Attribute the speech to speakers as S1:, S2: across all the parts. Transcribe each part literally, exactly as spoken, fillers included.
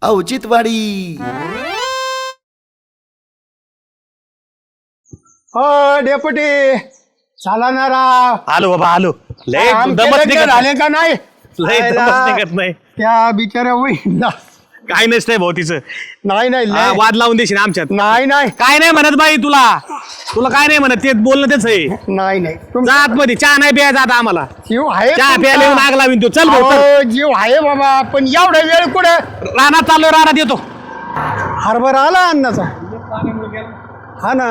S1: औचित्यवाडी.
S2: हो डेपुटी चला ना राव.
S3: आलो बाबा आलो. लय
S2: आमचे
S3: दमत
S2: लग्न
S3: निघत
S2: झाले का नाही?
S3: लय
S2: आयला,
S3: दमत निघत नाही.
S2: त्या बिचाऱ्या होईल
S3: काय नसतंय भाऊ तिचं.
S2: नाही नाही
S3: हा,
S2: लय-
S3: वाद लावून देशील आमच्यात.
S2: नाही नाही
S3: काय नाही म्हणत बाई तुला तुला काय नाही म्हणत ते बोलणं तेच आहे.
S2: नाही नाही तुम
S3: जा आतमध्ये चहा नाही प्यायचा आता आम्हाला.
S2: जीव आहे
S3: चहा
S2: तुमचा.
S3: प्यायला येऊन आग लावीन तू. चल भाऊ चल.
S2: अहो, जीव आहे बाबा पण एवढा वेळ कुठे
S3: रानात चाललोय रानात येतो.
S2: हरभरा आला अन्नाचा. हा ना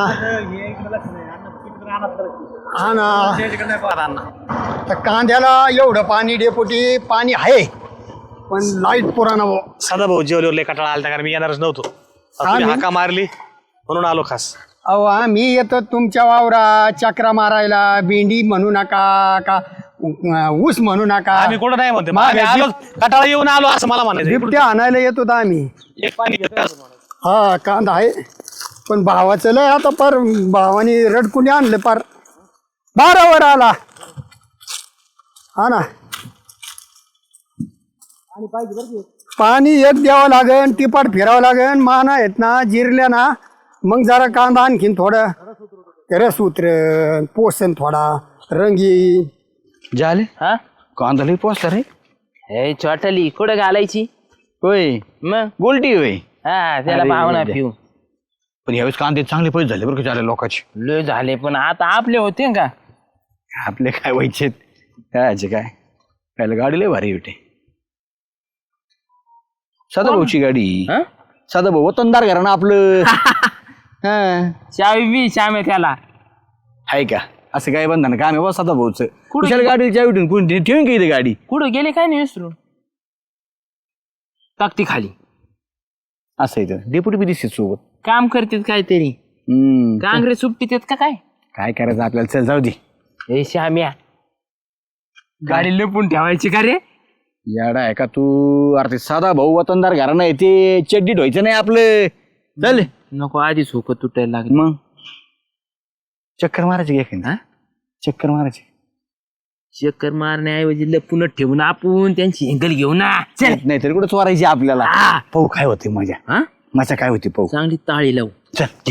S2: हा ना तर कांद्याला एवढं पाणी डेपुटी पाणी आहे पण लाईट पुराणा भाऊ.
S3: सदा भाऊ जेवल्यावर लय कटाळा आलता कारण मी येणारच नव्हतो.
S2: हा,
S3: तुम्ही
S2: मी-
S3: हाका मारली म्हणून आलो खास.
S2: अहो आम्ही येतो तुमच्या वावरा चक्रा मारायला. भेंडी म्हणू नका का अं, ऊस म्हणू नका.
S3: आम्ही कुठं नाही म्हणते
S2: मागे
S3: आम्ही आलो कटाळा येऊन आलो असं मला म्हणायचं.
S2: बिबट्या आणायला येतो होतो आम्ही.
S3: एक पाणी घेतो.
S2: हा कांदा आहे पण भावाचं लय आता पार भावाने रडकुनी आणलं पार बारावर आला. हा ना पाणी एक द्यावं लागन टिपाट फिरावं लागन. माना आहेत ना जिरल्या ना मग जरा कांदा आणखीन थोडं रस उतरण पोषण थोडा रंगी
S4: झाले
S5: हा
S4: कांदा लई पोचला रे.
S5: हे चॉटली कुठं घालायची
S4: होय
S5: मग
S4: गोलटी होय.
S5: हा त्याला
S4: अरे
S5: भावना
S4: दे.
S5: पिऊ
S4: पण यावेळेस कांदे चांगले पैसे झाले बरं का झाले लोकांचे.
S5: लय झाले पण आता आपले होते का
S4: आपले काय व्हायचे कायचे काय काय गाडी लय भारी होते. सदाभाऊची गाडी.
S5: हा?
S4: सदाभाऊ वतनदार घरा ना आपलं. हा
S5: चावी बी श्यामे त्याला
S4: आहे का असं काय बंधन काम आहे बा सदाभाऊचं. कुशाला गाडी चावी ठेवून कोणी ठेवून का इथे गाडी.
S5: कुठं गेले काय नाही विसरून टाकती खाली
S4: असं इथं डेप्युटी बी दिसते सोबत.
S5: काम करतात काहीतरी
S4: हम्म
S5: काँग्रेस सुट्टीत आहेत का काय
S4: काय करायचं आपल्याला. चल जाऊ दे.
S5: हे श्याम्या गाडी लपून ठेवायची का रे
S4: याडा आहे का तू. अरे ते साधा भाऊ वतनदार घरा नाही ते चड्डी ढोयचं नाही आपलं. चल
S5: नको आधीच हुक तुटायला लागली
S4: मग चक्कर मारायची घे ना. चक्कर मारायची
S5: चक्कर मारण्याऐवजी लपूनच ठेवून आपण त्यांची एंगल घेऊ ना चल
S4: नाही तरी कुठं चोरायची आपल्याला.
S5: हा.
S4: पाहू काय होते मजा.
S5: हा
S4: मजा काय होती पाहू.
S5: चांगली ताळी लावू
S4: चल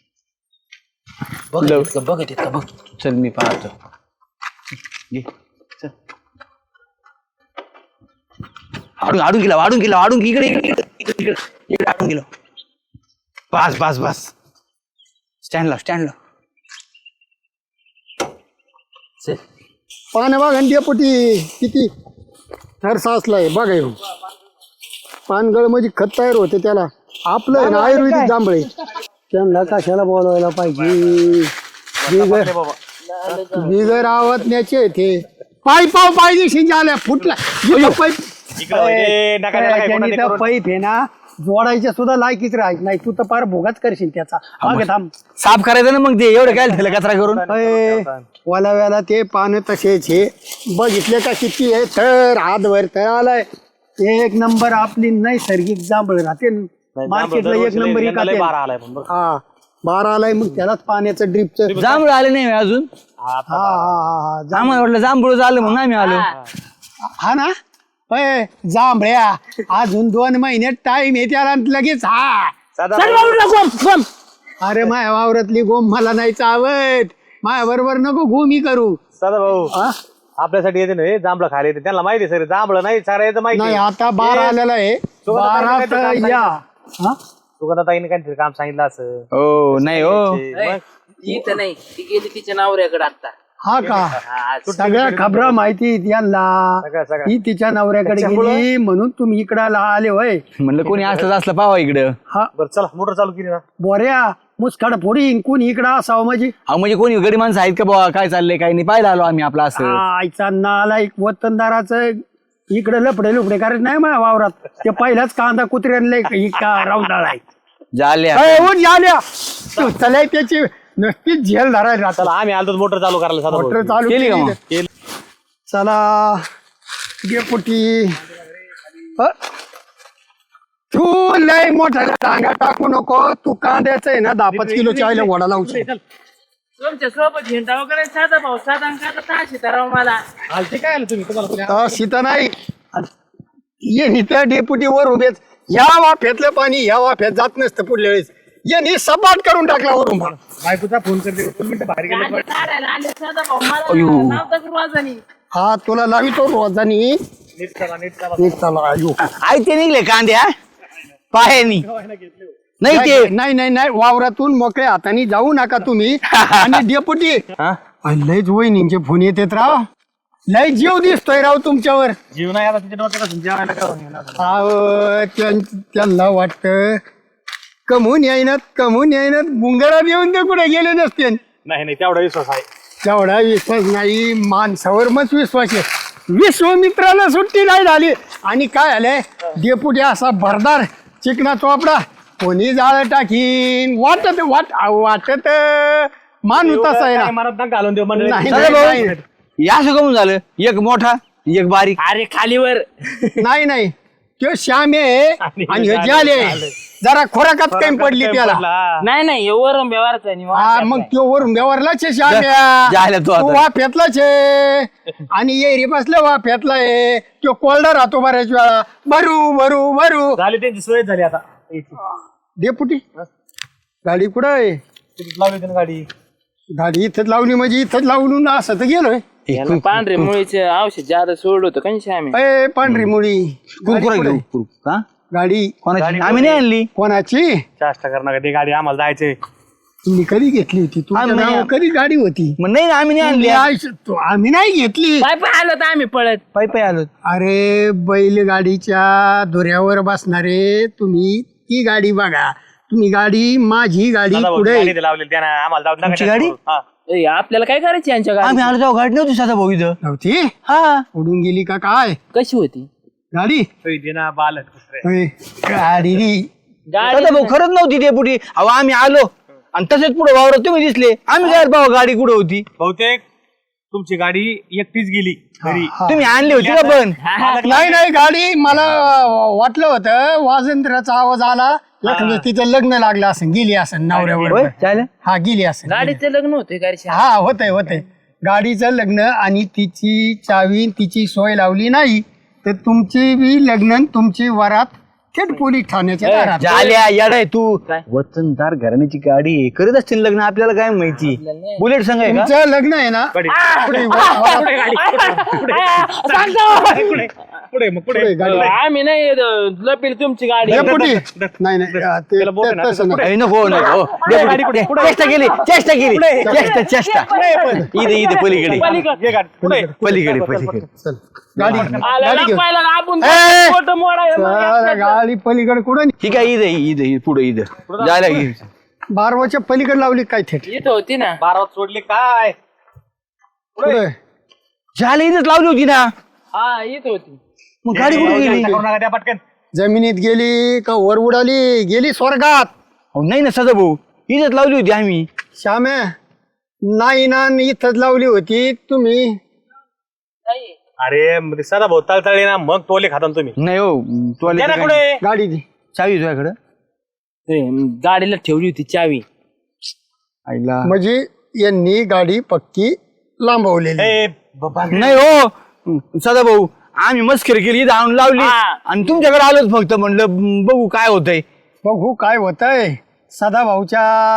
S5: बघत आहेत का बघत आहेत का बघ
S4: चल मी पाहतो. घे. चल आडून आडून गेला आडून गेला आडून इकडे इकडे इकडे इकडे इकडे आडून गेलो. बस बस बस स्टँडला स्टँडला.
S5: चल
S2: पाण्या बघा डेपुटी किती थर साचलाय बघा येऊन. पानगळ म्हणजे खत तयार होते त्याला. आपलं आहे ना आयुर्वेदिक जांभळे. त्यांना कशाला बोलवायला पाहिजे. बिगर बिगर आवतण्याचे ते पाय पाव पाहिजे झाल्या फुटला पाईप.
S3: इकडे नका त्याला काय कोणाला करून.
S2: पाईप आहे ना जोडायच्या सुद्धा लायकीच राहत नाही. तू तर फार भोगाच करशील त्याचा. मागे थांब.
S4: साफ करायचं ना मग ते एवढं काय झालं कचरा करून.
S2: वालाव्याला ते पानं तसेच हे बघितले का किती आहे तर हातभर तर आलाय. एक नंबर आपली नैसर्गिक जांभळ राहते मार्केटला एक नंबर
S3: यंदा लय
S2: विकाते.
S3: बारा आलाय पण बरं.
S2: हा बारा आलाय मग त्यालाच पाण्याचं ड्रिपचं.
S4: जांभूळ आले नाही अजून.
S2: हा हा हा
S4: आम्हाला वाटलं जांभूळ आलं म्हणून आम्ही आलो.
S2: हा ना होय जांभळ्या अजून दोन महिने टाइम आहे त्याला लगेच. हा
S3: सदा
S2: चल बाबूला गोम गोम. अरे माया वावरातली गोम मला नाही चावत. माया बरोबर नको गोमी करू.
S3: सदा भाऊ
S2: हा?
S3: आपल्यासाठी येते ना जांभळं खायला येते त्यांना माहिती सर जांभळं नाही सारा येतं माहिती.
S2: नाही आता बारा आलेला आहे. बारात या हा?
S3: सुगंधाताईने काहीतरी काम सांगितलं असं.
S4: हो नाही हो
S5: इथं नाही ती गेली तिच्या नवऱ्याकडे आता
S2: हा का सगळ्या खबरा माहिती यांना.
S3: सगळं सगळं
S2: ही तिच्या नवऱ्याकडे गेली म्हणून तुम्ही इकडं आले होय.
S4: म्हणलं कोणी असलं असलं पावा इकडं.
S2: हा
S3: बरं चला मोटर चालू केली ना.
S2: बोऱ्या मुसकाड फोडीन कोणी इकडं असावं म्हणजे.
S4: अहो म्हणजे कोणी गडी माणसं आहेत का बाबा काय चाललंय काही नाही पाहायला आलो आम्ही आपलं असं.
S2: आईचा नाला एक वतनदाराचं इकडे लपडे लुपडे करायचं नाही माझ्या वावरात. ते पहिलाच कांदा कुत्र्यांना इतका राऊंडाळ आहे.
S4: झाल्या
S2: झाल्या चला त्याची नक्कीच झेल धरायला
S3: चला आम्ही आलो मोटर चालू करायला सदा भाऊ.
S2: मोटर चालू
S4: केली का
S2: केली
S4: मग?
S2: का? चला डेपुटी अ, तू लय मोठा टांगा टाकू नको. तू कांद्याचं आहे ना दहा पाच किलो चायला वडा लावू शकतो.
S5: तुमच्या सोबत झेंडा वगैरे साधा भाऊ साधा का ताशी तर मला
S3: आलते काय आलं तुम्ही तुम्हाला
S2: सीता नाही ये नित्या डेपुटी वर उभेच या वाफ्यातलं पाणी या वाफ्यात जात नसतं पुढल्या वेळेस यांनी सपाट करून टाकला वरून मला.
S3: बायकोचा फोन करते दोन मिनिटं बाहेर गेले
S1: गाडी काढायला आले सदा भाऊ, मला नव्हतं करू वाजनी.
S2: हा तुला लावितो रोजानी
S3: नीट चला नीट चला
S2: नीट चला अयो.
S4: आई ते निघले कांदे हा पायानी नाही ते
S2: नाही नाही नाही वावरातून मोकळ्या हाताने जाऊ नका तुम्ही. आणि डेपुटी
S4: हा?
S2: लयच वहिनींचे फोन येतात राव. लय जीव दिसतोय राव तुमच्यावर.
S3: जीवन आहे आता तिच्या डोक्यात जेवायला करून येणार.
S2: अहो, त्यां- त्यांना वाटतं कमवून येईनात कमवून येईनात गुंगारा देऊन ते कुठे गेले नसते.
S3: नाही नाही तेवढा विश्वास आहे.
S2: तेवढा विश्वास नाही माणसावर मच विश्वास आहे. विश्वमित्राला सुट्टी नाही झाली आणि काय झालंय डेपुटी असा भरदार चिकना चोपडा कोणी जाळ टाकीन वाटत वाट वाटत माणूस तसा आहे ना.
S3: काय मनात नका घालून देऊ मंडळी.
S2: नाही,
S4: सदा
S2: नाही,
S4: भाऊ
S2: नाही.
S4: या असं कमून झालं एक मोठा एक बारीक
S5: अरे खालीवर
S2: नाही नाही तो श्याम आहे आणि हे जाले जरा खोराकात कमी पडली त्याला.
S3: पडला.
S5: नाही नाही वरून व्यवहारच आहे
S2: हा मग तो वरून व्यवहारलाच आहे श्याम
S4: जायला तो आता.
S2: वाफ्यातलाच आहे आणि येरी बसलं वाफ्यातला आहे तो कोल्डा राहतो बऱ्याच वेळा भरू भरू भरू.
S3: झाली त्यांची सोय झाली आता.
S2: डेपुटी गाडी कुठं आहे
S3: तिकीट लावली त्यांनी गाडी.
S2: गाडी इथंच लावली म्हणजे इथंच लावून असं तर गेलोय.
S5: याला पांढरे मुळीचे औषध जादा सोडलं होतं कशी आम्ही
S2: अय पांढरी मुळी गाडी
S4: कुरकुरा
S2: कुठं
S4: घेऊ
S2: आहे?
S4: कुरकुर. हा?
S2: गाडी
S4: कोणाची आम्ही नाही आणली
S2: कोणाची
S3: चाष्टा करणार ती गाडी आम्हाला जायचंय.
S2: तुम्ही कधी घेतली होती तुमच्या
S4: आम्ही-
S2: नावावर कधी गाडी होती
S4: मग नाही आम्ही नाही आणली
S2: आयुष्य- तो- आम्ही नाही घेतली.
S5: पाय पाय आलो तर आम्ही पळत.
S4: पायी पायी आलो
S2: अरे बैलगाडीच्या दोऱ्यावर बसणारे तुम्ही ती गाडी बघा. तुम्ही गाडी माझी गाडी
S3: दादा भाऊ,
S2: पुढे
S3: गाडी ते लावलेली त्यानं आम्हाला जाऊ नका
S4: तुमची
S3: त्याच्यात
S4: गाडी?
S3: करू. हा.
S5: ए, आपल्याला काय करायची यांच्या गाडी
S4: आम्ही आलो जाऊ गाडी नव्हती सदा भाऊ इथं
S2: नव्हती
S4: हा
S2: उडून गेली का काय
S5: कशी होती
S2: गाडी
S3: होय, दे ना बालक दुसरे.
S2: होय, गाडी री.
S5: गाडी
S4: सदा भाऊ खरंच नव्हती ते पुढे अहो आम्ही आलो आणि तसेच पुढे वावरत तुम्ही दिसले आम्ही काय भाऊ गाडी कुठे होती
S3: बहुतेक तुमची गाडी एकटीच गेली घरी.
S2: हा.
S4: तुम्ही आणली होती का पण
S2: नाही नाही गाडी मला वाटलं होतं वाजंत्र्याचा आवाज आला लग्न तिचं लग्न लागलं असं गेली असं नवऱ्यावर
S4: होय चालेल
S2: हा गेली असं
S5: गाडीचं लग्न होते गाडी
S2: हा होतंय होतंय गाडीचं लग्न आणि तिची चावी तिची सोय लावली नाही तर तुमची बी लग्न आणि तुमची वरात थेट पोलीस ठाण्याच्या दारात.
S4: झाल्या येडाय तू
S5: काय?
S4: वतनदार घराण्याची गाडी आहे. करत असतील लग्न आपल्याला काय माहिती बुलेट संघ आहे का
S2: तुमचं लग्न आहे ना
S3: गाडी.
S2: पुढे वरात-
S3: पुढे पुढे मग पुढे
S2: पुढे गाडी.
S5: आम्ही नाही लपील तुमची गाडी
S2: हे पुढे. नाही नाही ते-
S3: त्याला बोट आहे ना,
S2: ते- तसं नाही.
S4: अरे नको नको चेष्टा केली चेष्टा केली चेष्टा चेष्टा इथे इथे पलीकडे
S3: ये गाडी पुढे.
S4: पलीकडे पलीकडे
S2: चल गाडी
S5: आला
S2: गाडी घेऊन
S5: लपायला आपण
S2: ए!
S5: मोठं मोडायला
S2: चल, गाडी पलीकडे कुठं
S4: ठीक आहे इथे इथे इथे, पुढे इथं जायला घे
S2: बारवाच्या पलीकडे लावली काय थेट
S5: इथं होती ना
S3: बारात सोडली काय.
S2: पुढे
S4: झाले इथेच लावली होती ना
S5: हा इथं होती
S4: मग गाडी कुठे गेली
S3: करू नका त्या पटकन.
S2: जमिनीत गेली का वर उडाली गेली स्वर्गात.
S4: अहो, नाही ना सदा भाऊ इथेच लावली होती आम्ही
S2: श्याम्या नाही ना इथंच लावली होती तुम्ही.
S5: नाही
S3: अरे मग ते सदा भाऊ तळतळे ना मग टोले खाता ना तुम्ही.
S4: नाही हो तू
S3: द्या ना कुठे.
S2: गाडी दी
S4: चावी तुझ्याकडं
S5: ते गाडीला ठेवली होती चावी
S4: आईला
S2: म्हणजे यांनी गाडी पक्की लांबवलेली.
S3: ए, बाबा.
S4: नाही हो सदा भाऊ आम्ही मस्करी केली इथं आणून लावली
S5: हा.
S4: आणि तुमच्याकडे आलोच फक्त म्हणलं "म, बघू काय होतंय
S2: बघू काय होतंय सदा भाऊच्या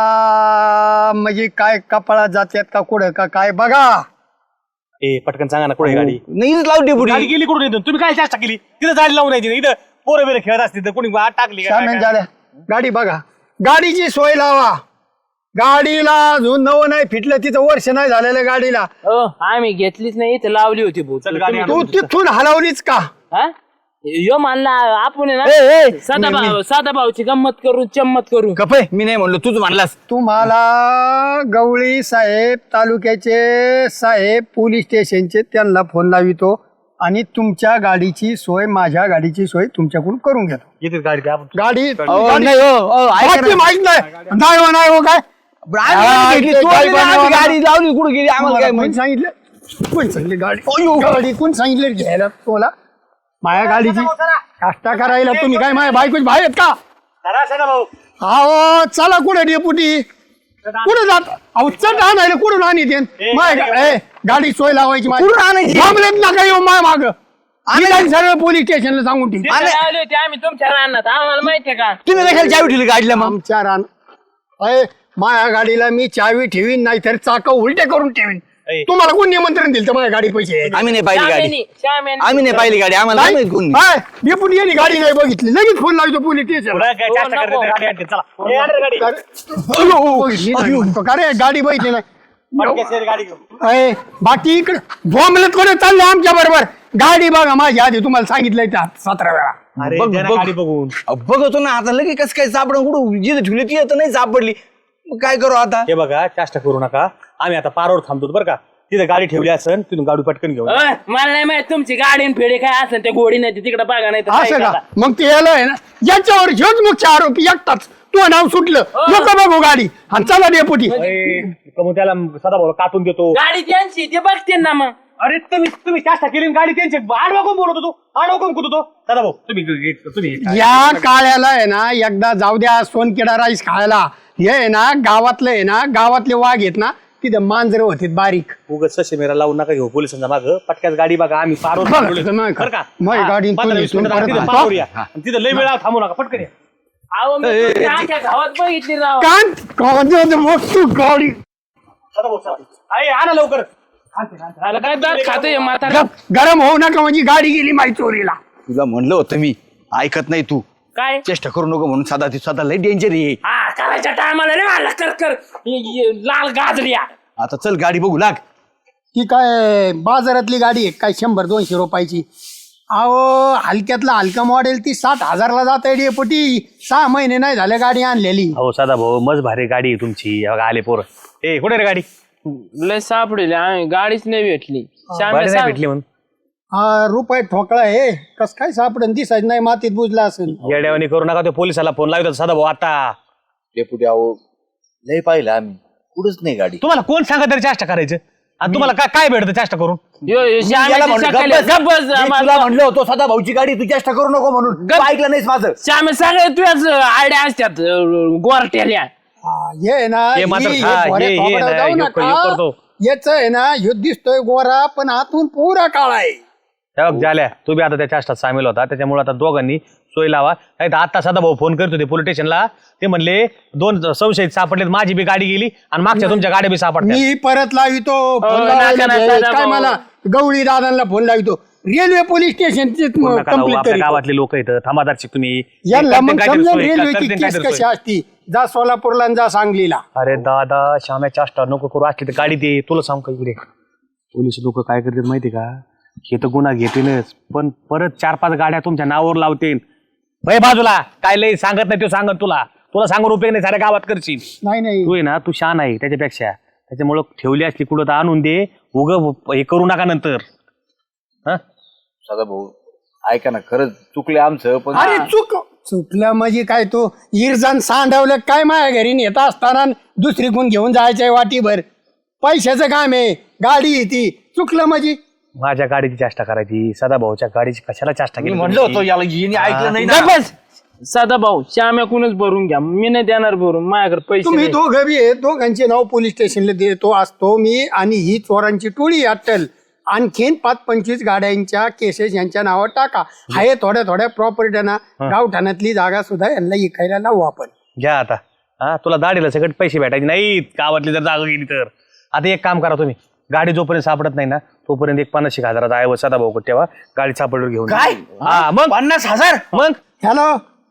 S2: म्हणजे काय कपाळात जात्यात का कुठं का काय बघा.
S3: ए पटकन सांगा ना कुठे गाडी.
S4: नाही इथंच लावली
S3: गाडी
S4: पुढे
S3: गेली कुठून इथून तुम्ही काय चेष्टा केली तिथं जायला लावून यायची इथं पोरं बिरं खेळत असतील तर कोणी आत टाकली का
S2: श्याम्या
S3: काय?
S2: झाल्या गाडी बघा गाडीची सोय लावा. गाडीला अजून नवं नाही फिटलं तिथं वर्ष नाही झालेलं गाडीला.
S5: हो आम्ही घेतलीच नाही इथं लावली होती भाऊ
S3: चल गाडी
S2: तू तिथून हलवलीच का.
S5: हा यो मानला आपण आहे
S4: ए, ए,
S5: ना साधा भाऊ साधा भाऊची गंमत करून चम्मत करून
S4: कपय मी नाही म्हणलो तूच म्हणलास
S2: तुम्हाला गवळी साहेब तालुक्याचे साहेब पोलीस स्टेशनचे त्यांना फोन लावितो आणि तुमच्या गाडीची सोय माझ्या गाडीची सोय तुमच्याकडून करून घेतो.
S3: येते गाडी ते आपण.
S2: गाडी
S4: अहो,
S2: गाडी-
S4: नाही हो अहो, ऐका
S2: बाकी
S4: ना.
S2: माहित नाही नाही हो नाही हो काय
S4: आम्ही
S2: हा,
S4: घेतली,
S2: ते
S4: तू
S2: काय
S4: आणली ना, आम्ही
S2: बनवायला-
S4: गाडी लावली कुठे गेली आम्हाला काय
S2: कोण
S4: माहिती
S2: सांगितलं कोण सांगितलं गाडी गाडी कोण सांगितलं घ्यायला तुला माझ्या गाडीची काष्टा करायला तुम्ही काय माझ्या बायकोच बाहेर आहेत का.
S3: चला सदा भाऊ.
S2: अहो चला कुठे डेपुटी कुठे जात अहो चट आणायला कुठून आणि ते माझ्या गा- ए, गाडी सोय लावायची माझी.
S4: कुठून आणायची?
S2: थांबलेत ना काही माय माग आम्ही जाऊन सगळं पोलीस स्टेशनला सांगून ठेवू.
S5: तिथे लावली होती आम्ही तुमच्या रानात आम्हाला माहितीये का
S4: तुम्ही कशाला चावी ठेवली गाडीला मग
S2: आमच्या रान अय माझ्या गाडीला मी चावी ठेवीन नाही तर चाक उलटे करून ठेवीन.
S3: अय.
S2: तुम्हाला कोण निमंत्रण दिलं तर माझ्या गाडी पैसे
S4: आम्ही नाही पाहिली गाडी
S5: श्यामेनी श्यामेनी
S4: आम्ही नाही पाहिली गाडी आम्हाला नाही माहित कोण
S2: डेपुटी यांनी गाडी नाही बघितली लगेच फोन लावतो पोलीस स्टेशनला.
S3: पुढं काय चाष्टा करते तर गाडी आणते. चला ए, आण रे गाडी
S2: बघितली नाही म्हणतो का रे गाडी बघितली नाही.
S3: पटकन गाडी घेऊ.
S2: अय बाकी इकडे बॉम्बलत कोणी चालले आमच्या बरोबर गाडी बघा माझी आधी तुम्हाला सांगितलंय त्या सतरा वेळा.
S3: अरे
S4: बघ,
S3: द्या ना
S4: बघ.
S3: गाडी बघून.
S4: अहो, बघतो ना आता लगेच कसं काय सापडून कुठं जिथे ठेवली ती तर नाही सापडली मग काय करू आता
S3: हे बघा चाष्टा करू नका. आम्ही आता पारावर थांबतो बरं का. तिथे गाडी ठेवली असेल तिथून गाडी पटकन घेऊन
S5: अय, मला नाही माहित तुमची गाडी आणि फेडी काय असेल ते घोडी नाही तिकडे बघा नाही तर काय
S2: असं का
S5: करा.
S2: मग ते याला आहे ना याच्यावर ह्योच मुख्य आरोपी एकटाच तू नाव सुटलं नको बघू गाडी आणि चला डेपुटी.
S3: ए, मग त्याला सदा भाऊ काटून देतो.
S5: गाडी त्यांची ते बघते ना मग
S3: अरे तुम्ही तुम्ही चाष्टा केली आणि गाडी त्यांची आडवा कोण बोलत होतो आडवा कोण कुठं होतो सदा भाऊ तुम्ही तुम्ही
S2: या काळ्याला आहे ना एकदा जाऊ द्या सोनकिडा राईस खायला. हे आहे ना गावातलं आहे ना गावातले वाघ आहेत ना तिथे मांजर होते बारीक.
S3: उगाच सशे मेरा लावून नका घेऊ पोलिसांच्या मागं. पटक्यात गाडी बघा आम्ही पारोर
S2: बघा,
S3: थांबलोय.
S2: तुम्ही
S3: बरं का
S2: माझी
S3: हा,
S2: गाडी
S3: पंधरा वीस
S2: तुम्ही
S3: मिनिटं
S2: परत
S3: तिथे
S2: आणतो.
S3: पारोर या. आणि तिथे लय वेळा थांबू नका पटकन या.
S5: अहो मी तुमच्या आख्या गावात बघितली राव
S2: कान कांद्याचं मोठं गाडी
S3: सदा भाऊ चला. अरे आणा लवकर.
S5: आला काय दात खाते म्हातारा
S2: गप, गरम होऊ नका म्हणजे गाडी गेली माझी चोरीला.
S4: तुला म्हणलं होतं मी ऐकत नाही तू
S5: काय
S4: चेष्टा करू नको म्हणून साधा ती स्वतः लय डेंजर आहे
S5: हा करायच्या टायमाला रे मला कर कर ये- ये लाल गाजरिया
S4: आता चल गाडी बघू लाग
S2: ती काय बाजारातली गाडी आहे काय शंभर दोनशे रुपयाची. अहो हलक्यातला हलका मॉडेल ती साठ हजारला जात आहे डेपुटी. सहा महिने नाही झाले गाडी आणलेली.
S3: हो सदा भाऊ मज भारी गाडी आहे तुमची. हे बघा आले पोर. ए कुठे रे गाडी
S5: लय सापडेल आम्ही गाडीच नाही भेटली श्याम्या
S3: गाडी नाही
S5: सांग.
S3: भेटली म्हणून
S2: हा रुपये ठोकळा आहे कस काय सापडन दिसायचं नाही मातीत बुजला असेल.
S3: येड्यावानी करू नका. ते पोलिसाला फोन लावतात सदा भाऊ आता.
S6: डेपुटी अहो लय पाहिलं आम्ही कुठंच नाही गाडी.
S3: तुम्हाला कोण सांगत तरी चाष्टा करायचं आणि तुम्हाला काय काय भेटतं चाष्टा करून.
S5: यो, यो, श्याम्याची
S4: म्हणलं,
S5: सकाळी-
S4: गप्प बस.
S5: गप्प बस,
S4: मी
S5: आम्हाला-
S4: तुला म्हणलं होतं सदा भाऊची गाडी तू चेष्टा करू नको म्हणून तू ऐकलं नाहीस माझं
S5: श्याम्या सगळे तुझ्याच आयडिया असतात गोरट्याल्या.
S2: हा, हे आहे ना
S3: हे मात्र
S2: ही-
S3: खा,
S2: हे भोऱ्या
S3: हे- हे
S2: थोबाडावर
S3: ना,
S2: जाऊ
S3: ह्यो-
S2: नका.
S3: ह्यो करतो.
S2: याचं आहे ना ह्यो दिसतोय गोरा पण आतून पुरा काळा आहे.
S3: हे बघ झाल्या तू बी आता त्या चाष्टात सामील होता. त्याच्यामुळे आता दोघांनी सोय लावा. नाही तर आता सदा भाऊ फोन करत होते पोलीस स्टेशनला. ते म्हणले दोन संशयित सापडलेत. माझी बी गाडी गेली आणि मागच्या तुमच्या गाड्या बी सापडल्या.
S2: मी परत लावितो फोन
S5: नका,
S2: लावायला
S5: नका,
S2: भेट.
S5: नका,
S2: काय
S5: भाऊ.
S2: मला गवळी दादांना फोन लावितो रेल्वे पोलीस स्टेशनची
S3: फोन नका लावू.
S2: कंप्लीट
S3: आपल्या
S2: करी
S3: गावातले लोक येतं थांबादारची तुम्ही.
S2: यांना मग
S3: काहीतरी
S2: समजा
S3: सोय,
S2: रेल्वेची
S3: काहीतरी
S2: केस
S3: काहीतरी
S2: कशी
S3: सोय.
S2: असती जा सोलापूरला आणि जा सांगलीला.
S3: अरे दादा श्याम्या चाष्टा नको करू. असली तर गाडी दे. तुला सांग का इकडे पोलीस लोक काय करतात माहिती का. हे तर गुन्हा घेतीलच पण परत चार पाच गाड्या तुमच्या नावावर लावतील. भय बाजूला काय लय सांगत नाही तो सांगत तुला. तुला सांगून उपयोग नाही साऱ्या गावात करशील.
S2: नाही नाही
S3: तू आहे ना तू शान आहे त्याच्यापेक्षा. त्याच्यामुळं ठेवली असली कुठं तर आणून दे. उग हे करू नका नंतर. हा
S6: सदा भाऊ ऐका ना खरंच चुकले आमचं पण
S2: अरे चुक चुकलं म्हणजे काय तू इरजान सांडवलं काय माझ्या घरी नेता असताना दुसरी कोण घेऊन जायचंय वाटीभर. पैशाचं काम आहे गाडी आहे ती. चुकलं म्हणजे
S3: माझ्या गाडीची चाष्टा करायची. सदा भाऊच्या गाडीची कशाला चाष्टा
S6: मी
S3: केली
S6: म्हणलं
S3: तुम्ही?
S6: होतं याला हिने ऐकलं नाही ना.
S5: गप्प बस. साधा भाऊ श्याम्याकूनच भरून घ्या मी नाही देणार भरून माझ्याकडे पैसे
S2: तुम्ही
S5: नाही.
S2: दोघं बी आहे दोघांचे नाव पोलीस स्टेशनला देतो असतो मी आणि ही चोरांची टोळी अट्टल. आणखीन पाच पंचवीस गाड्यांच्या केसेस यांच्या नावावर टाका. हाय थोड्या थोड्या प्रॉपर्टीना गावठाणातली जागा सुद्धा यांना इकायला लावू आपण.
S3: घ्या आता. हा तुला दाढीला सगळं पैसे भेटायचे नाहीत गावातली जर जागा गेली तर. आता एक काम करा तुम्ही गाडी जोपर्यंत सापडत नाही ना तोपर्यंत एक पन्नास एक हजाराचा आहे सदा भाऊ तेव्हा गाडी सापडवर घेऊन
S4: काय?
S3: हा मग
S4: पन्नास हजार
S3: मग
S2: हॅलो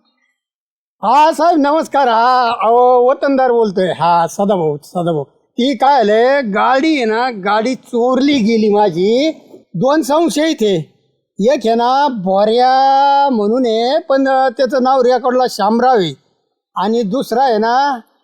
S2: हा साहेब नमस्कार. हा अहो वतनदार बोलतोय. हा सदाभाऊ सदाभाऊ ती काय आलंय गाडी आहे ना गाडी चोरली गेली माझी. दोन संशय इथे एक आहे ना बोऱ्या म्हणून आहे पण त्याचं नाव रेकॉर्डला शामराव आहे आणि दुसरा आहे ना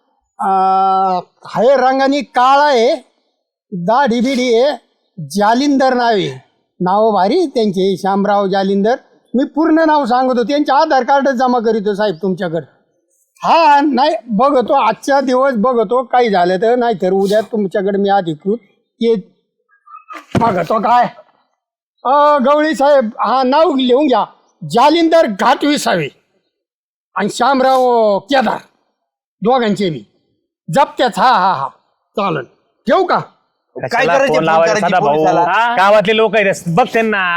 S2: हाय रंगाने काळा आहे दाढी बिडी आहे जालिंदर नाव आहे. नाव भारी त्यांचे शामराव जालिंदर. मी पूर्ण नाव सांगतो त्यांचे आधार कार्ड जमा करीतो साहेब तुमच्याकडे. हा नाही बघतो आजच्या दिवस बघतो काही झालं तर नाही तर उद्या तुमच्याकडे मी अधिकृत ये बघतो काय. अ गवळी साहेब हा नाव लिहून घ्या जालिंदर घाटविसावे आणि शामराव केदार दोघांचे मी जप्त्याच. हा हा हा चालेल ठेवू का.
S4: काय
S3: कशाला
S4: करायचे
S3: फोन
S4: फोन
S3: लावायला
S4: करायचे
S3: सदा भाऊ.
S4: पोलिसाला?
S3: गावातले लोक आहेत बघ त्यांना.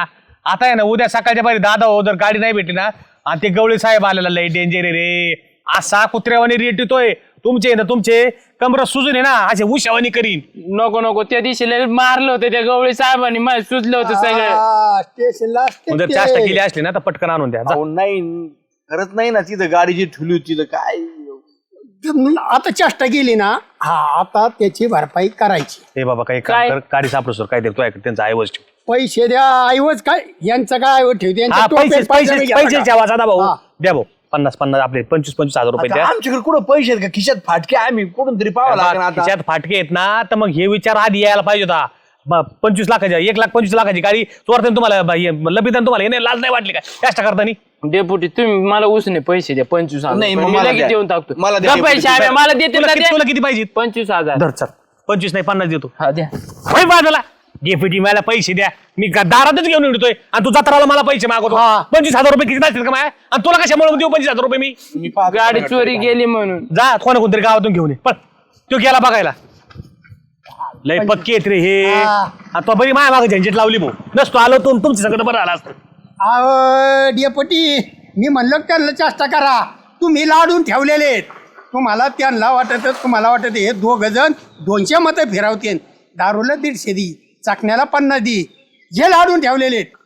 S3: आता आहे ना उद्या सकाळच्या पारी दादा हो जर गाडी नाही भेटली ना आणि ते गवळी साहेब आलेला लय डेंजर रे असा कुत्र्यावानी रेट येतोय तुमचे ना तुमचे कमर सुजून आहे ना असे उशावानी करीन.
S5: नको नको त्या दिवशी लय मारलं होतं त्या गवळी साहेबांनी मला सुचलं होतं सगळं.
S2: हा, स्टेशनला
S3: जर
S2: असते
S3: चाष्टा
S2: ते.
S3: केली असली ना तर पटकन आणून द्या जा.
S6: अहो नाही खरंच नाही ना तिथं गाडी जी ठेवली होती तिथं काय
S2: आता चेष्टा केली ना हा आता त्याची भरपाई करायची.
S3: हे बाबा काही काम
S5: काय?
S3: कर गाडी सापडू सर काय देतो त्यांचा ऐवज ठेव.
S2: पैसे द्या ऐवज काय यांचं काय ऐवज ठेवते यांच्या
S3: हा पैसे
S2: टोप्यात
S3: पैसे
S2: पैसे
S3: पैसे ठेवा दादा भाऊ
S2: हा.
S3: द्या भाऊ पन्नास पन्नास आपले पंचवीस पंचवीस हजार रुपये
S6: आता
S3: द्या.
S6: आमच्याकडे कुठं पैसे आहेत का खिशात फाटके आम्ही कुठून तरी पाहावं लागेल आता.
S3: खिशात फाटके आहेत ना तर मग हे विचार आधी यायला पाहिजे होता. ब- पंचवीस लाखाची एक लाख पंचवीस लाखाची गाडी चोरताना तुम्हाला ब- हे लबिताना तुम्हाला हे नाही लाज नाही वाटली काय कष्ट करताना.
S5: डेपुटी तुम्ही मला उसने पैसे द्या पंचवीस हजार
S6: नाही,
S5: रुपये.
S6: मग
S5: मी
S6: मला
S5: लगेच
S6: द्या.
S5: देऊन टाकतो.
S6: मला द्या,
S5: गप्प आहे,
S6: डेपुटी.
S5: श्याम्या, मला देते
S3: तुला
S5: ना
S3: किती-
S5: द्या.
S3: तुला किती पाहिजे
S5: पंचवीस हजार
S3: धर चल पंचवीस नाही पन्नास देतो.
S5: हा द्या.
S3: होय बाजूला डेप्युटी मला पैसे द्या मी गा- दारातच घेऊन येतोय आणि तू जत्राला मला पैसे मागवतो पंचवीस हजार रुपये किती असतील का माया आणि तुला कशामुळे देऊ पंचवीस हजार रुपये मी.
S6: मी पाहतो
S5: गाडी
S6: सगळं
S5: चोरी
S6: ठिकाणी.
S5: गेली म्हणून.
S3: जा कोणा कोणतरी गावातून घेऊन ये पण तो गेला बघायला लय पक्की आहेत रे हे आणि तो बरी माया मागे झंझट लावली भाऊ नसतो आलो तू तुमच्या सगळं बरं आला असतं.
S2: अहो डेपटी मी म्हणलं त्यांना चेष्टा करा तुम्ही लाडून ठेवलेले आहेत. तुम्हाला त्यांना वाटत तुम्हाला वाटत हे दोघ जण दोनशे मतं फिरवते दारूला दीडशे दी चाकण्याला पन्नास दी जे लाडून ठेवलेले आहेत.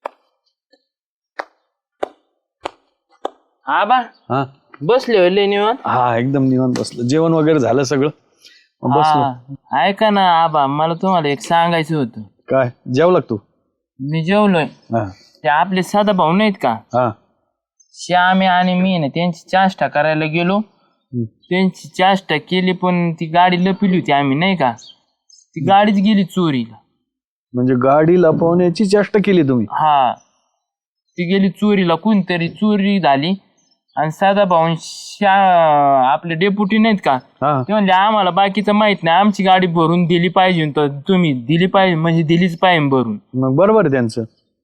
S5: आबा
S7: हा
S5: बसले होय लय निवांत.
S7: हा एकदम निवांत बसलं जेवण वगैरे झालं सगळं मग बसलो.
S5: हा, ऐका ना आबा मला तुम्हाला एक सांगायचं होतं.
S7: काय जेवला का तू
S5: मी जेवलोय
S7: हा
S5: ते आपले साधा भाऊ नाहीत का
S7: हा
S5: श्यामे आणि मी ना त्यांची चाष्टा करायला गेलो त्यांची चाष्टा केली पण ती गाडी लपिली होती आम्ही नाही का ती गाडीच गेली चोरीला.
S7: म्हणजे गाडी लपवण्याची चेष्टा केली तुम्ही.
S5: हा ती गेली चोरीला कोणतरी चोरी झाली आणि साधा भाऊ श्या आपले डेप्युटी नाहीत का
S7: हा
S5: ते म्हणले आम्हाला बाकीचं माहित नाही आमची गाडी भरून दिली पाहिजे तर तुम्ही दिली पाहिजे म्हणजे दिलीच पाहिजे भरून.
S7: मग बरोबर आहे त्यांचं.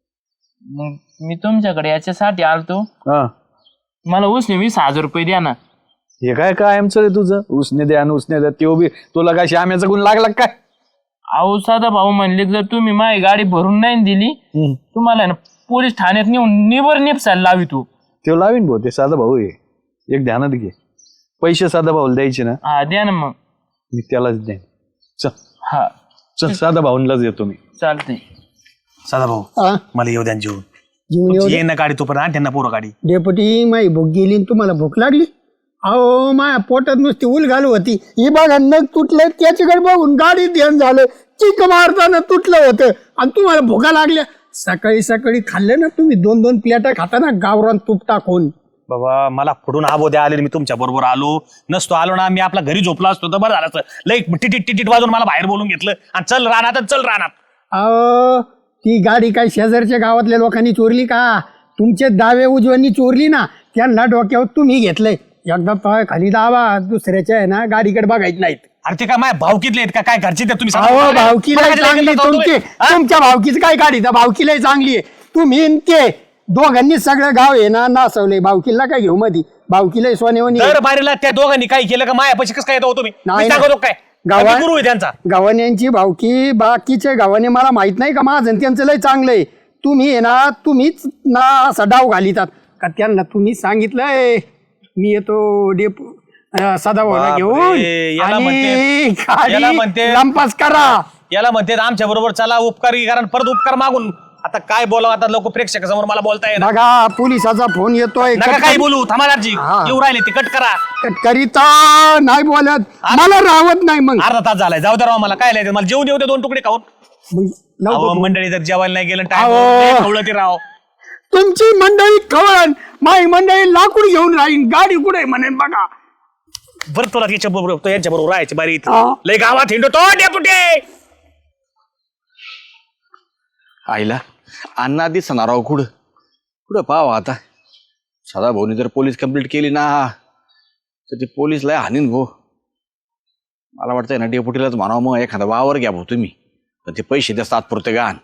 S5: मग मी तुमच्याकडे याच्यासाठी आलतो
S7: हा
S5: मला उसने वीस हजार रुपये द्या ना.
S7: हे काय काय आमचं रे तुझं उसने द्या आणि उसने द्या ते बी तुला काय श्याम्याचा गुण लागला का काय.
S5: अहो साधा भाऊ म्हणले जर तुम्ही माझी गाडी भरून नाही दिली
S7: हम्म.
S5: तुम्हाला ना पोलीस ठाण्यात नेऊन निबर नेपसायला लावी तू.
S7: ते लावीन भाऊ ते साधा भाऊ आहे एक ध्यानात घे पैसे साधा भाऊला द्यायचे ना
S5: हा द्या ना मग.
S7: मी त्यालाच देईन. चल
S5: हा
S7: चल साधा भाऊंलाच देतो मी.
S5: चालतंय.
S3: साधा भाऊ
S2: हा,
S3: मला येऊ द्या जेवून
S2: जेवून येऊ
S3: ये ना गाडी तोपर्यंत आण त्यांना पोरं गाडी.
S2: डेपटी माई भूक गेली आणि तुम्हाला भूक लागली. अहो माया पोटात नुसती उल घालू होती ही बघा नग तुटलं त्याच्याकडे बघून गाडी ध्यान झालं चिक मारताना तुटलं होतं आणि तुम्हाला भुका लागल्या. सकाळी सकाळी खाल्लं ना तुम्ही दोन दोन प्लेटा खाताना गावरान तूप टाकून.
S3: बाबा मला फुडून आबो द्या आले मी तुमच्या बरोबर आलो नसतो आलो ना मी आपला घरी झोपलो असतो तर बरं झालं असतं. लई टिटीट टिटीट वाजून मला बाहेर बोलून घेतलं आणि चल रानात आणि चल रानात.
S2: अहो ती गाडी काय शेजारच्या गावातल्या लोकांनी चोरली का तुमचे दावे उजव्यांनी चोरली ना त्यांना डोक्यावर तुम्ही घेतलंय. एकदा पाय खाली दावा दुसऱ्याच्या आहे ना गाडीकडे बघायचं नाहीत.
S3: अरे ते काय माझ्या भावकीतले आहेत का काय घरचे ते तुम्ही
S2: अहो भावकीला
S3: मला कधी
S2: चांगली
S3: लेकरं
S2: तुमची
S3: हा?
S2: तुमच्या भावकीच काय काढी भावकीला चांगली आहे तुम्ही न ते दोघांनी सगळं गाव आहे ना नासवले भावकीला काय घेऊ मधी भावकीला सोनेवणी
S3: दर बारीला त्या दोघांनी काय केलं का माया पैसे कसं काय येतो तुम्ही
S2: नाही
S3: मी
S2: ना.
S3: सांगतो काय
S2: गावा-
S3: आम्ही गुरु आहे त्यांचा.
S2: गावाण्यांची भावकी बाकीचे गावाने मला माहित नाही का माझं आणि त्यांचं लय चांगलं आहे. तुम्ही आहे ना तुम्हीच ना असा डाव घालितात का त्यांना तुम्ही सांगितलंय मी येतो डेप सदाभाऊला
S3: बापरे,
S2: घेऊन
S3: याला
S2: आणि
S3: म्हणते- याला
S2: गाडी
S3: म्हणते-
S2: लंपास करा.
S3: याला म्हणते आमच्या बरोबर चला उपकारी कारण परत उपकार मागून आता काय बोलावं आता लोक प्रेक्षक समोर मला बोलता येणार
S2: बघा पोलिसाचा फोन येतोय
S3: नका काही बोलू थांबादारजी
S2: हा.
S3: येऊ राहिले ते कट करा.
S2: करिता नाही बोलत मला राहत नाही मग
S3: अर्धा तास झालाय जाऊ दे राव मला काय लिहायचं मला जेवून येऊ दे दोन तुकडे खाऊन.
S2: मग लवकर
S3: अहो
S2: बोल.
S3: मंडळी जर जेवायला नाही गेलं
S2: अहो.
S3: टाइम ते राव
S2: तुमची मंडळी खवळण माई मंडळी लाकूड घेऊन राहीन गाडी कुठे म्हणेन बघा.
S3: बरं तुला याच्या बरोबर यांच्या बरोबर राहायची बारी इथे.
S2: हा.
S3: लय गावात हिंडो तो डेपुटी.
S6: आईला अण्णा दिसणार राव कुठं कुठं पाहावं आता. सदा भाऊनी जर पोलीस कंप्लीट केली ना तर ते पोलीस लय हानीन भाऊ. मला वाटतंय ना डेपुटीलाच म्हणावं मग एखादा वावर घ्या भाऊ तुम्ही पण ते पैसे द्या तात्पुरते गाण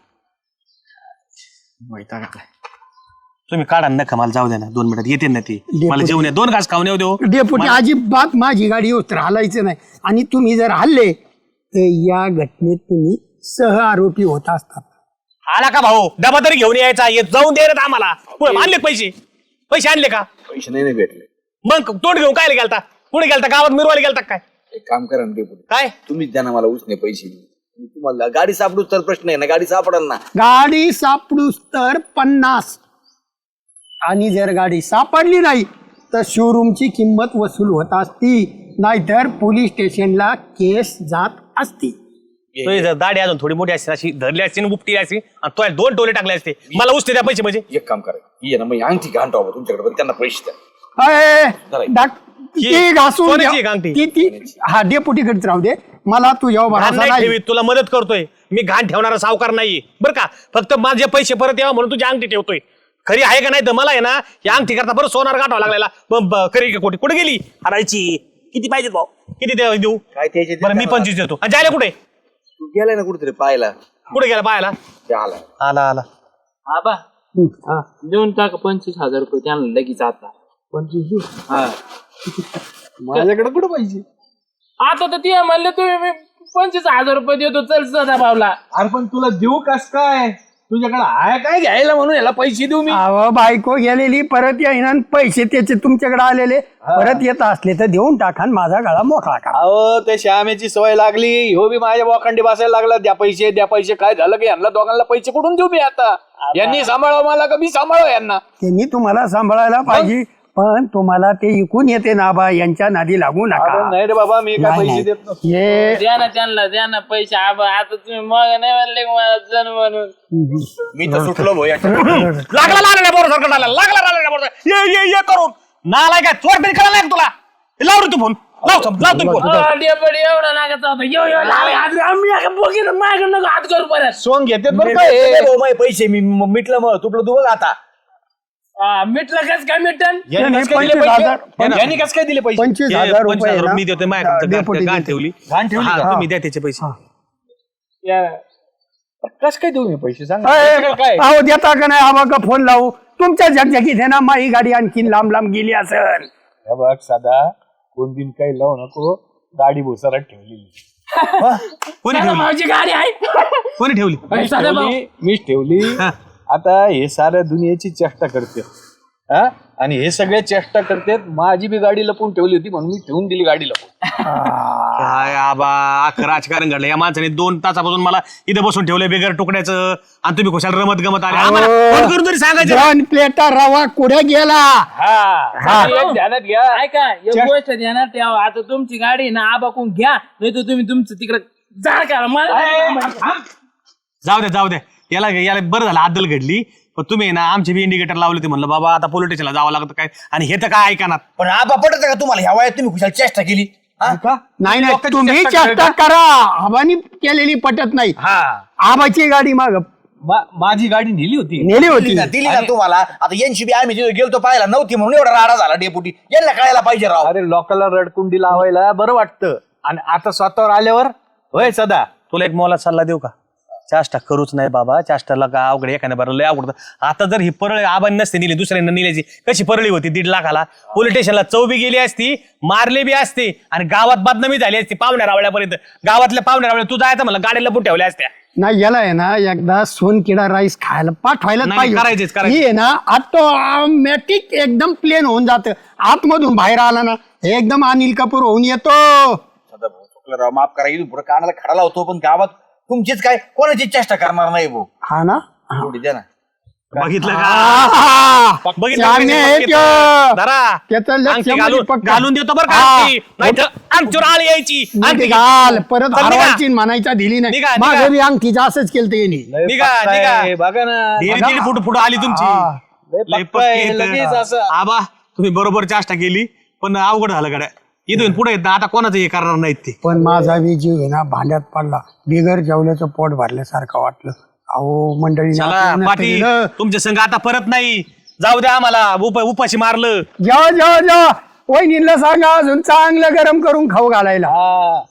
S6: माहिती काय.
S3: तुम्ही काढा नका मला जाऊ द्या ना दोन मिनिटात येते ना ती
S2: डेपुटी.
S3: मला जेवण दोन घास खाऊन येऊ देऊ.
S2: डेपुटी अजिबात माझी गाडी होत हलायचं नाही आणि तुम्ही जर हल्ले तर या घटनेत तुम्ही सह आरोपी होत असतात.
S3: आला का भाऊ डबा तरी घेऊन यायचा ये जाऊन दे रे आम्हाला पुढे आणले पैसे पैसे आणले का
S6: पैसे नाही भेटले.
S3: मग तोंड घेऊन काय गेलता पुढे गेलता गावात मिरवायला गेलता काय
S6: एक काम करा ना डेपुटी,
S3: काय
S6: तुम्हीच द्या ना मला उसने पैसे. तुम्हाला गाडी सापडूच तर प्रश्न आहे ना, गाडी सापडल ना.
S2: गाडी सापडूस तर पन्नास आणि जर गाडी सापडली नाही तर शोरूमची किंमत वसूल होत असती, नाहीतर पोलीस स्टेशनला केस जात असती.
S3: तो जर दाढी अजून थोडी मोठी असते अशी धरली असते उपटी असते आणि तो दोन टोले टाकले असते मला उसते त्या पैसे म्हणजे
S6: एक काम करा, ये ना मग अंगठी घाण टाका तुमच्याकडे, पण त्यांना पैसे द्या.
S2: अय, डाक- ती घासून
S3: सोन्याची
S2: द्या.
S3: आहे अंगठी.
S2: ती ती हा डेपुटीकडेच राहू दे, मला तुझ्या
S3: घाण
S2: भरोसा
S3: नाही
S2: नाही.
S3: ठेवीत, तुला मदत करतोय मी, घाण ठेवणारा सावकार नाहीये बरं का. फक्त माझे पैसे परत यावं म्हणून तुझी अंगठी ठेवतोय. खरी आहे का नाही तर मला आहे ना या अंगठी करता बरं सोनार गाठावा लागलेला. ब- ब- खरी का खोटी कुठे गेली हरायची किती पाहिजेत भाऊ किती दे- देऊ
S6: काय त्याचे
S3: बरं मी पंचवीस देतो आणि जायला कुठे
S6: तू गेलाय ना कुठेतरी पाहायला,
S3: कुठे गेला पाहायला
S6: ते आला.
S3: आला आला
S5: आबा देऊन टाका पंचवीस हजार रुपये त्यांना लगेच आता.
S7: माझ्याकडे कुठं पाहिजे?
S5: आता तर ते म्हणले तुम्ही मी पंचवीस हजार रुपये देतो चल सदा भावला.
S7: अरे पण तुला देऊ कस काय? तुझ्याकडे आहे काय घ्यायला म्हणून याला पैसे देऊ मी?
S2: अहो बायको गेलेली परत येईना आणि पैसे त्याचे तुमच्याकडे आलेले परत येत असले तर देऊन टाका आणि माझा गळा मोकळा करा.
S7: अहो त्या श्यामेची सवय लागली, हो बी माझ्या बोखंडी बसायला लागला, द्या पैसे द्या पैसे. काय झालं की यांना दोघांना पैसे कुठून देऊ मी आता? यांनी सांभाळावं मला का मी सांभाळावं यांना?
S2: त्यांनी तुम्हाला सांभाळायला पाहिजे, पण तुम्हाला ते इकून येते ना बा, यांच्या नादी लागू
S7: अरे
S2: नका.
S7: नाही रे बाबा, मी काय
S2: नाही,
S7: पैसे
S2: नाही.
S7: देत नसतो.
S2: हे
S5: द्या ना त्यांना द्या ना पैसे. आबा आता तुम्ही मग नाही म्हणले का मला जण म्हणून.
S6: मी तर सुटलो भाऊ याच्या.
S3: लागला लागला बरोबर सरकार लागला लागला लागला बरोबर ये ये ये करून नालाय काय चोर तरी करायला लागला तुला लाव रे तू फोन लाव सम लाव तुम्ही फोन
S5: अ, डेपुटी एवढा लागायचा होता. यो यो लाग, हात- आम्ही एका बोकीनं मागं नको हात करू परत.
S7: सोंग घेतात बरं काय
S6: ए,
S7: हे.
S6: भाऊ, माझे पैसे मी म- मिटलं मग तुपलं तू बघ आता.
S5: हा, मिटलं कस काय मिटन?
S7: यांनी
S2: नाही,
S7: कसं काय दिले
S2: पंचवीस
S7: पैसे?
S2: हजार-
S7: यांनी कसं काय दिले पैसे?
S2: पंचवीस
S3: हे
S2: हजार
S3: पंचवीस
S2: रुपये
S3: हजार
S2: ना,
S3: मी देतोय माझ्याकडे
S2: डेपुटी
S3: गाठ
S2: देते.
S3: ठेवली
S7: घाण ठेवली
S3: हा,
S7: का?
S3: तुम्ही द्या त्याचे पैसे
S5: या.
S7: कसं काय देऊ मी पैसे सांग
S2: अय,
S7: काय?
S2: अहो देता का नाही आबा का फोन लावू तुमच्या झकझकीत आहे ना, माझी गाडी आणखीन लांब लांब गेली असेल.
S7: हे बघ साधा कोण बिन काही लावू नको, गाडी भोसरात ठेवलेली.
S3: कोणी
S5: सदा
S3: ठेवली
S5: भाऊची गाडी आहे.
S3: कोणी ठेवली
S7: मीच
S5: सदा भाऊ.
S7: ठेवली, मीच ठेवली.
S3: हा.
S7: आता हे साऱ्या दुनियेची चेष्टा करते हा, आणि हे सगळे चेष्टा करतात. माझी बी गाडी लपून ठेवली होती म्हणून मी ठेवून दिली गाडी लपून.
S3: काय आबा अख्खं राजकारण घडलं या माणसाने दोन तासापासून मला इथे बसून ठेवलंय बेगर तुकड्याचं आणि तुम्ही खुशाल रमत गमत आले आम्हाला फोन करून तरी सांगायचं
S2: दोन प्लेटा रवा कुठे गेला?
S7: हा, एक ध्यानात घ्या.
S5: ऐका एक गोष्ट ध्यानात ठेवा. आता तुमची गाडी ना आबाकून घ्या, नाही तर तुम्ही तुमचं तिकडे जा करा. मला
S3: जाऊ द्या जाऊ द्या याला याला बरं झालं आदल घडली पण तुम्ही ना आमचे बी इंडिकेटर लावले होते म्हणलं बाबा आता पोलीस स्टेशनला जावं लागतं काय आणि हे तर काय ऐकणार
S6: पण आबा पटत का तुम्हाला ह्या वयात तुम्ही खुशाल चेष्टा केली? हा?
S2: नाही नाही
S3: लोकांची
S2: तुम्ही
S3: चेष्टा
S2: चेष्टा करा, आबानी केलेली पटत नाही.
S3: हा
S2: आबाची गाडी माग
S7: मा- माझी गाडी नेली होती.
S2: नेली
S6: दिली
S2: होती.
S6: ना दिली ना तुम्हाला. आता यांची बी आम्ही तिथे गेलतो पाहायला नव्हती म्हणून एवढा राडा झाला डेपुटी. यांना कळायला पाहिजे राव.
S7: अरे लोकांना रडकुंडी लावायला बरं वाटतं आणि आता स्वतःवर आल्यावर होय सदा.
S3: तुला एक मोला सल्ला देऊ का चाष्टा करूच नाही बाबा चाष्टाला का अवघड एखाद्या बरं लय अवघड आता जर ही परळी आबांनी नसते नेली दुसऱ्यांना नेल्याची कशी परळी होती दीड लाखाला पोलीस स्टेशनला चौबी गेली असती मारले बी असते आणि गावात बदनामी झाली असती पाहुण्या रावळ्यापर्यंत गावातल्या पाहुण्या रावळ्या तू जायचं म्हणलं गाडी लपून ठेवल्या असत्या
S2: नाही याला आहे ना एकदा सोनकिडा राईस खायला पाठवायला
S3: नाही,
S2: पाहिजे.
S3: करायचेच, करायचेच.
S2: ही आहे ना ऑटोमॅटिक एकदम प्लेन होऊन जात. आतमधून बाहेर आला ना एकदम अनिल कपूर होऊन येतो.
S6: सदा भाऊ चुकलं राव, माफ करा. इथून पुढे कानाला खडा लावतो पण गावात तुमचीच काय कोणाची चेष्टा करणार नाही भाऊ.
S2: हा ना
S6: एवढी द्या ना.
S3: बघितलं का
S2: आहा!
S3: बघितलं
S2: श्यामे
S3: का?
S2: आहे त्यो.
S3: धरा.
S2: त्याचं लक्ष
S3: अंगठी
S2: म्हणजे
S3: घालून
S2: पक्का.
S3: घालून देतो बरं का
S2: हा.
S3: अंगठी. नाहीतर आमच्यावर आळ यायची
S2: नीट
S3: अंगठी
S2: घाल परत
S3: चल, निघा.
S2: हरवायची म्हणायचा दिली नाही
S3: निघा, निघा.
S2: मागे बी अंगठीचं असंच केलं त्यांनी.
S7: लय
S3: निघा,
S7: पक्का
S3: निघा.
S7: आहे, बघा ना.
S3: धीरे धीरे फुट फुट आली तुमची
S2: हा.
S7: लय
S3: लय
S7: पक्का आहे,
S3: पक्के
S7: लगेच
S3: आहेत.
S7: असं.
S3: आबा तुम्ही बरोबर चाष्टा केली पण अवघड झालं गड्या इथून पुढे येत ना आता कोणाचं हे करणार नाहीत ते
S2: पण माझा बी जीव आहे ना भांड्यात पडला. बिगर जेवल्याचं पोट भरल्यासारखं वाटलं. अहो मंडळी
S3: चला पाटील तुमच्या संघ आता परत नाही जाऊ द्या आम्हाला उप उपाशी मारलं
S2: जेव्हा जेव्हा जेव्हा वहिनीला सांगा अजून चांगलं गरम करून खाऊ घालायला.
S7: हा.